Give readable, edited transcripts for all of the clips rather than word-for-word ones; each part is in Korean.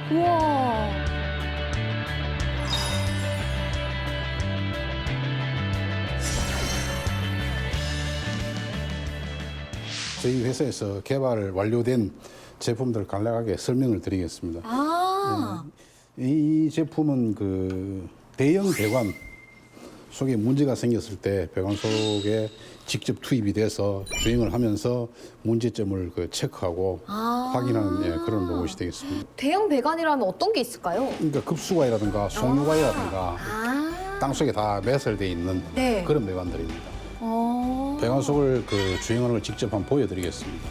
우와. 저희 회사에서 개발 완료된 제품들 간략하게 설명을 드리겠습니다. 아. 이 제품은 그 대형 배관 속에 문제가 생겼을 때 배관 속에 직접 투입이 돼서 주행을 하면서 문제점을 그 체크하고 확인하는 그런 로봇이 되겠습니다. 대형 배관이라면 어떤 게 있을까요? 그러니까 급수관이라든가 송유관이라든가 땅속에 다 매설되어 있는 네. 그런 배관들입니다. 어. 배관 속을 그 주행하는 걸 직접 한번 보여드리겠습니다.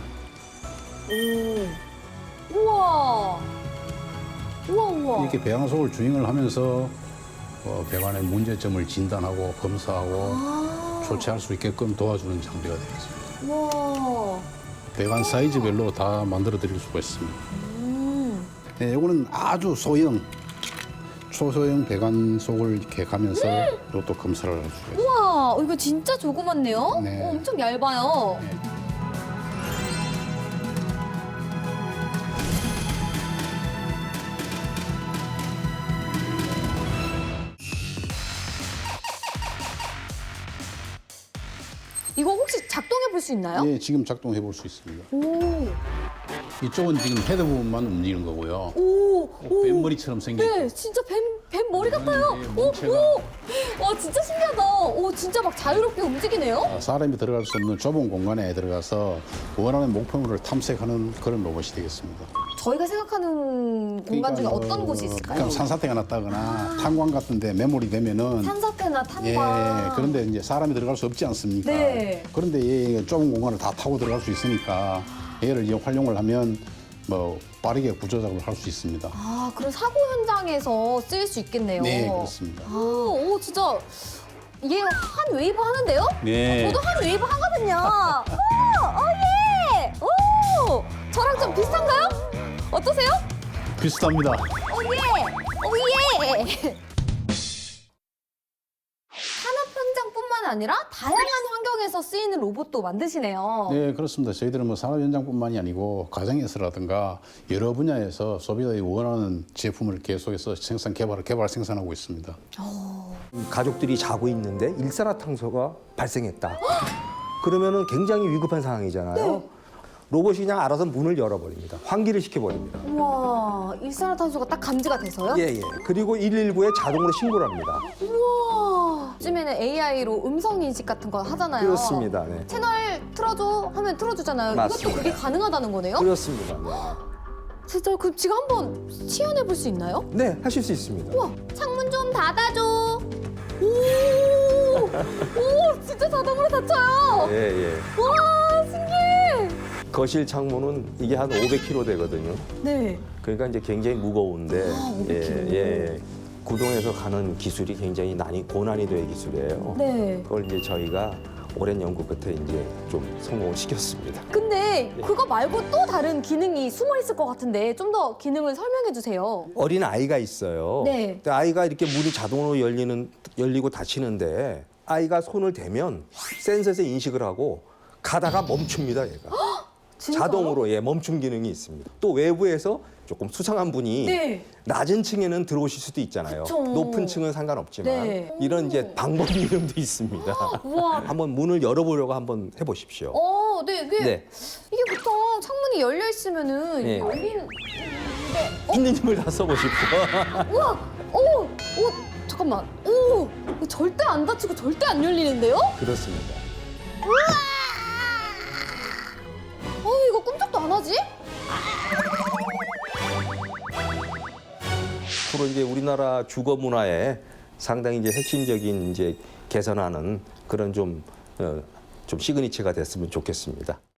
오. 우와. 우와, 우와. 이렇게 배관 속을 주행을 하면서 배관의 문제점을 진단하고 검사하고 조치할 수 있게끔 도와주는 장비가 되겠습니다. 우와. 배관 사이즈별로 다 만들어 드릴 수가 있습니다. 네, 이거는 아주 소형, 초소형 배관 속을 이렇게 가면서 이것도 검사를 할 수가 있습니다. 우와, 이거 진짜 조그맣네요? 네. 엄청 얇아요. 이거 혹시 작동해 볼 수 있나요? 예, 지금 작동해 볼 수 있습니다. 오, 이쪽은 지금 헤드 부분만 움직이는 거고요. 오, 오. 뱀머리처럼 생긴 네, 진짜 뱀 머리 같아요. 네, 오, 몸체가- 오. 와, 진짜 신기하다. 오, 진짜 막 자유롭게 움직이네요. 사람이 들어갈 수 없는 좁은 공간에 들어가서 원하는 목표물을 탐색하는 그런 로봇이 되겠습니다. 저희가 생각하는 공간 중에 그러니까 어떤 곳이 있을까요? 그냥 산사태가 났다거나 탄광 같은데 매몰이 되면은 산사태나 탄광. 예, 그런데 이제 사람이 들어갈 수 없지 않습니까? 네. 그런데 이 좁은 공간을 다 타고 들어갈 수 있으니까 얘를 이제 활용을 하면 뭐 빠르게 구조 작업을 할 수 있습니다. 아, 그럼 사고 현장에서 쓰일 수 있겠네요. 네, 그렇습니다. 오, 진짜 얘 한 웨이브 하는데요? 네. 저도 한 웨이브 하거든요. 오, 예! 오! 저랑 좀 비슷한가요? 어떠세요? 비슷합니다. 오, 예! 산업 현장뿐만 아니라 다양한 환경에서 쓰이는 로봇도 만드시네요. 네, 그렇습니다. 저희들은 뭐 산업 현장뿐만이 아니고 가정에서라든가 여러 분야에서 소비자들이 원하는 제품을 계속해서 개발 생산하고 있습니다. 가족들이 자고 있는데 일산화탄소가 발생했다. 그러면은 굉장히 위급한 상황이잖아요. 로봇이 그냥 알아서 문을 열어버립니다. 환기를 시켜버립니다. 우와, 일산화탄소가 딱 감지가 돼서요? 예, 예. 그리고 119에 자동으로 신고를 합니다. 우와. 요즘에는 AI로 음성 인식 같은 거 하잖아요. 그렇습니다. 네. 채널 틀어줘 하면 틀어주잖아요. 맞습니다. 이것도 그게 가능하다는 거네요? 그렇습니다. 진짜 그럼 지금 한번 시연해 볼 수 있나요? 네. 네, 하실 수 있습니다. 우와, 창문 좀 닫아줘. 오, 오, 진짜 자동으로 닫혀요. 예, 예. 와, 신기해. 거실 창문은 이게 한 500kg 되거든요. 네. 그러니까 이제 굉장히 무거운데 500kg. 예. 구동에서 가는 기술이 굉장히 고난이도의 기술이에요. 네. 그걸 이제 저희가 오랜 연구 끝에 이제 좀 성공을 시켰습니다. 근데 그거 말고 또 다른 기능이 숨어 있을 것 같은데 좀 더 기능을 설명해 주세요. 어린 아이가 있어요. 네. 근데 아이가 이렇게 문이 자동으로 열리고 닫히는데 아이가 손을 대면 센서에서 인식을 하고 가다가 멈춥니다, 얘가. 진짜요? 자동으로 멈춤 기능이 있습니다. 또 외부에서 조금 수상한 분이 네. 낮은 층에는 들어오실 수도 있잖아요. 그쵸. 높은 층은 상관없지만 네. 이런 이제 방법 이름도 있습니다. 우와. 한번 문을 열어보려고 한번 해보십시오. 네, 이게 네. 이게 보통 창문이 열려 있으면은 네. 이게 열리는. 있는 힘을 다 써보십시오. 우와, 오, 잠깐만, 오, 이거 절대 안 닫히고 절대 안 열리는데요? 그렇습니다. 이거 꼼짝도 안 하지? 앞으로 이제 우리나라 주거 문화에 상당히 이제 핵심적인 이제 개선하는 그런 좀 시그니처가 됐으면 좋겠습니다.